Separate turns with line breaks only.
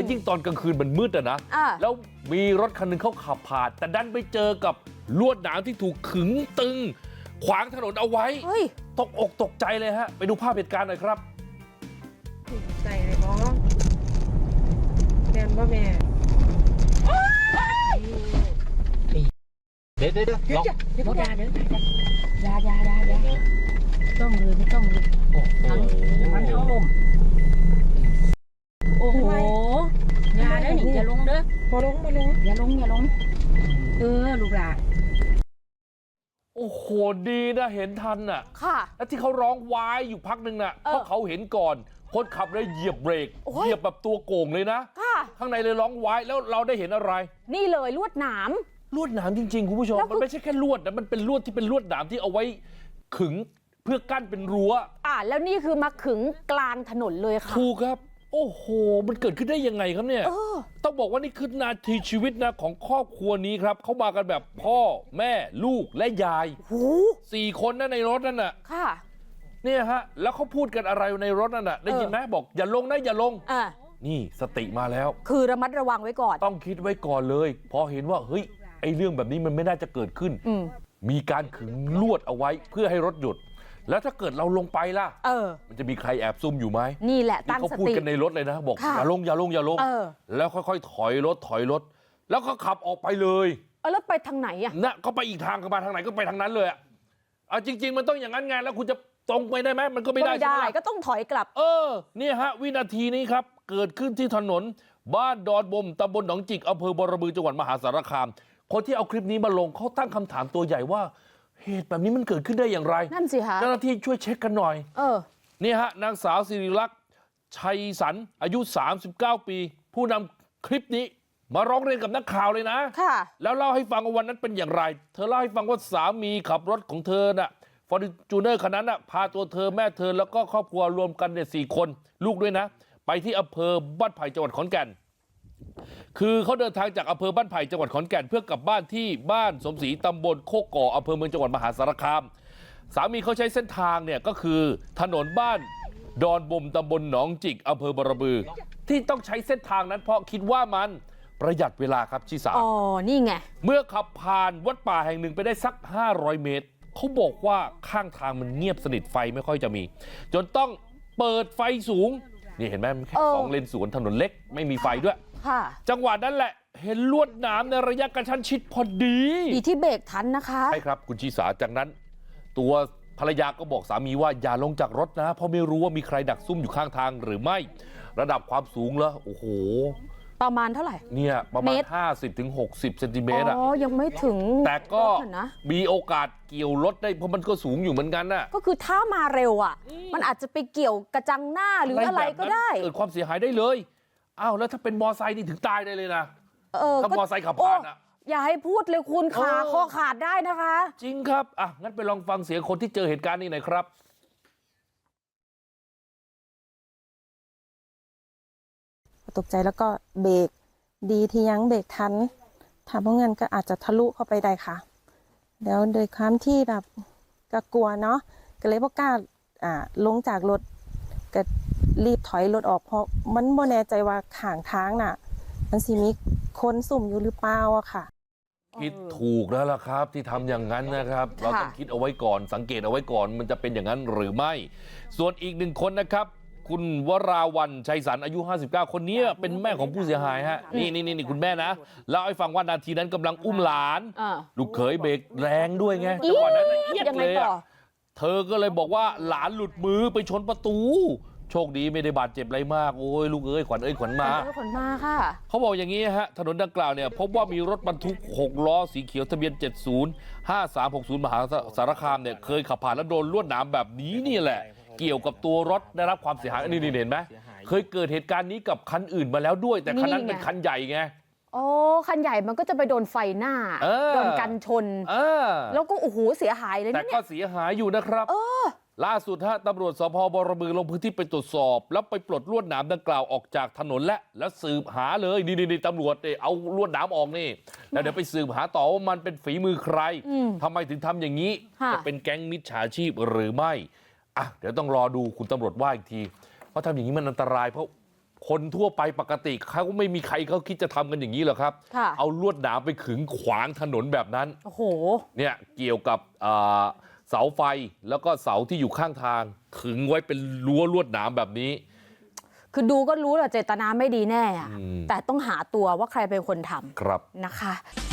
ยิ่งตอนกลางคืนมันมืดอะนะแล้วมีรถคันหนึ่งเขาขับผ่านแต่ดันไปเจอกับลวดหนามที่ถูกขึงตึงขวางถนนเอาไว้ตกอกตกใจเลยฮะไปดูภาพเหตุการณ์หน่อยครับ
ใส่เลยบอแม่บ่แม่
เดี๋ยวล็อก
รถยาเดี๋ยวยาต้องเลยไม่ต้องเลยทั้งมันทั้งลมโอ้โหยาได้หนิอย่าลงเด้อมาลงอย่าลงลูกหลาน
โอ้โหดีนะเห็นทันน่ะแล้วที่เขาร้องว้ายอยู่พักหนึ่งน่ะเพราะเขาเห็นก่อนคนขับเลยเหยียบเบรกเหยียบแบบตัวโก่งเลยนะข้างในเลยร้องว้ายแล้วเราได้เห็นอะไร
นี่เลยลวดหนาม
จริงๆคุณผู้ชมมันไม่ใช่แค่ลวดนะมันเป็นลวดที่เป็นลวดหนามที่เอาไว้ขึงเพื่อกั้นเป็นรั้ว
แล้วนี่คือมาขึงกลางถนนเลยค่ะ
ถูกครับโอ้โหมันเกิดขึ้นได้ยังไงครับเนี่ยต้องบอกว่านี่คือนาทีชีวิตนะของครอบครัวนี้ครับเขามากันแบบพ่อแม่ลูกและยาย4 คนนะในรถนั่นน่ะเนี่ยฮะแล้วเขาพูดกันอะไรในรถนั่นน่ะได้ยินไหมบอกอย่าลงนะอย่าลงนี่สติมาแล้ว
คือระมัดระวังไว้ก่อน
ต้องคิดไว้ก่อนเลยพอเห็นว่าเฮ้ยไอ้เรื่องแบบนี้มันไม่น่าจะเกิดขึ้นมีการขึงลวดเอาไว้เพื่อให้รถหยุดแล้วถ้าเกิดเราลงไปล่ะมันจะมีใครแอบซุ่มอยู่ไหม
นี่แหละตั้งสติ
เขาพูดกันในรถเลยนะบอกอย่าลงแล้วค่อยๆถอยรถแล้วก็ขับออกไปเลย
แล้วไปทางไหนอ่ะ
น่ะก็ไปอีกทางก็มาทางไหนก็ไปทางนั้นเลยจริงๆมันต้องอย่างนั้นไงแล้วคุณจะตรงไปได้ไหมมันก็ไม่ได้ใช่ไหม
ก็ต้องถอยกลับ
เนี่ยฮะวินาทีนี้ครับเกิดขึ้นที่ถนนบ้านดอนบมตำบลหนองจิกอำเภอบรบือจังหวัดมหาสารคามคนที่เอาคลิปนี้มาลงเขาตั้งคำถามตัวใหญ่ว่าเหตุแบบนี้มันเกิดขึ้นได้อย่างไร
นั่นสิคะ
เจ้าหน้าที่ช่วยเช็คกันหน่อยนี่ฮะนางสาวสิริลักษณ์ชัยสันอายุ39 ปีผู้นำคลิปนี้มาร้องเรียนกับนักข่าวเลยนะแล้วเล่าให้ฟังว่าวันนั้นเป็นอย่างไรเธอเล่าให้ฟังว่าสามีขับรถของเธอน่ะฟอร์จูเนอร์คันนั้นน่ะพาตัวเธอแม่เธอแล้วก็ครอบครัวรวมกันเนี่ย4 คนลูกด้วยนะไปที่อำเภอบ้านไผ่จังหวัดขอนแก่นคือเขาเดินทางจากอำเภอบ้านไผ่จังหวัดขอนแก่นเพื่อกลับบ้านที่บ้านสมศรีตำบลโคกก่ออำเภอเมืองจังหวัดมหาสารคามสามีเขาใช้เส้นทางเนี่ยก็คือถนนบ้านดอนบมตำบลหนองจิกอำเภอบรบือที่ต้องใช้เส้นทางนั้นเพราะคิดว่ามันประหยัดเวลาครับชิสา
นี่ไง
เมื่อขับผ่านวัดป่าแห่งหนึ่งไปได้สัก500 เมตรเขาบอกว่าข้างทางมันเงียบสนิทไฟไม่ค่อยจะมีจนต้องเปิดไฟสูงนี่เห็นไหมแค่2 เลนสวนถนนเล็กไม่มีไฟด้วยจังหวะนั้นแหละเห็นลวดหนามในระยะกระชั้นชิดพอดี
ที่เบรกทันนะคะ
ใช่ครับคุณชีสาจากนั้นตัวภรรยาก็บอกสามีว่าอย่าลงจากรถนะเพราะไม่รู้ว่ามีใครดักซุ่มอยู่ข้างทางหรือไม่ระดับความสูงแล้วโอ้โห
ประมาณเท่าไหร่
เนี่ยประมาณ50-60 เซนติเมตร
ยังไม่ถึง
แต่ก็มีโอกาสเกี่ยวรถได้เพราะมันก็สูงอยู่เหมือนกันน่ะ
ก็คือถ้ามาเร็วมันอาจจะไปเกี่ยวกระจังหน้าหรืออะไรก็ได้
เกิดความเสียหายได้เลยแล้วถ้าเป็นมอไซค์นี่ถึงตายได้เลยนะถ้ามอไซค์ขับผ่าน
อย่าให้พูดเลยคุณขาคอขาดได้นะคะ
จริงครับงั้นไปลองฟังเสียงคนที่เจอเหตุการณ์นี้หน่อยครับ
ตกใจแล้วก็เบรกดีที่ยังเบรกทันถ้าเพราะงั้นก็อาจจะทะลุเข้าไปได้ค่ะแล้วโดยความที่แบบก็กลัวเนาะก็เลยบ่กล้าลงจากรถก็รีบถอยรถออกเพราะมันบ่แน่ใจว่าข้างทางน่ะมันสิมีคนซุ่มอยู่หรือเปล่าค่ะ
คิดถูกแล้วล่ะครับที่ทำอย่างนั้นนะครับเราต้องคิดเอาไว้ก่อนสังเกตเอาไว้ก่อนมันจะเป็นอย่างนั้นหรือไม่ส่วนอีก1 คนนะครับคุณวราวันชัยสันอายุ59คนนี้เป็นแม่ของผู้เสียหายฮะนี่คุณแม่นะเล่าให้ฟังว่านาทีนั้นกำลังอุ้มหลานลูกเขยเบรกแรงด้วยไงจังหวะนั้นเอียดเลยเธอก็เลยบอกว่าหลานหลุดมือไปชนประตูโชคดีไม่ได้บาดเจ็บอะไรมากโอ้ยลูกเอ้ยขวัญขวัญมา
ค่ะ
เขาบอกอย่างนี้ฮะถนนดังกล่าวเนี่ยพบว่ามีรถบรรทุก6 ล้อสีเขียวทะเบียน705360มหาสารคามเนี่ยเคยขับผ่านแล้วโดนลวดหนามแบบนี้นี่แหละเกี่ยวกับตัวรถได้รับความเสียหายนี่เห็นไหมเคยเกิดเหตุการณ์นี้กับคันอื่นมาแล้วด้วยแต่คันนั้นเป็นคันใหญ่ไง
คันใหญ่มันก็จะไปโดนไฟหน้าโดนกันชนแล้วก็โอ้โหเสียหายเลย
แต่ก็เสียหายอยู่นะครับล่าสุดตำรวจสพบรบือลงพื้นที่ไปตรวจสอบแล้วไปปลดลวดหนามดังกล่าวออกจากถนนแล้วสืบหาเลยนี่ตำรวจเอาลวดหนามออกนี่แล้วเดี๋ยวไปสืบหาต่อว่ามันเป็นฝีมือใครทำไมถึงทำอย่างนี้จะเป็นแก๊งมิจฉาชีพหรือไม่เดี๋ยวต้องรอดูคุณตำรวจว่าอีกทีเพราะทำอย่างนี้มันอันตรายเพราะคนทั่วไปปกติเขาก็ไม่มีใครเขาคิดจะทำกันอย่างนี้หรอกครับเอาลวดหนามไปขึงขวางถนนแบบนั้นโอ้โหเนี่ยเกี่ยวกับเสาไฟแล้วก็เสาที่อยู่ข้างทางขึงไว้เป็นรั้วลวดหนามแบบนี้
คือดูก็รู้แหละเจตนาไม่ดีแน่แต่ต้องหาตัวว่าใครเป็นคนทำนะคะ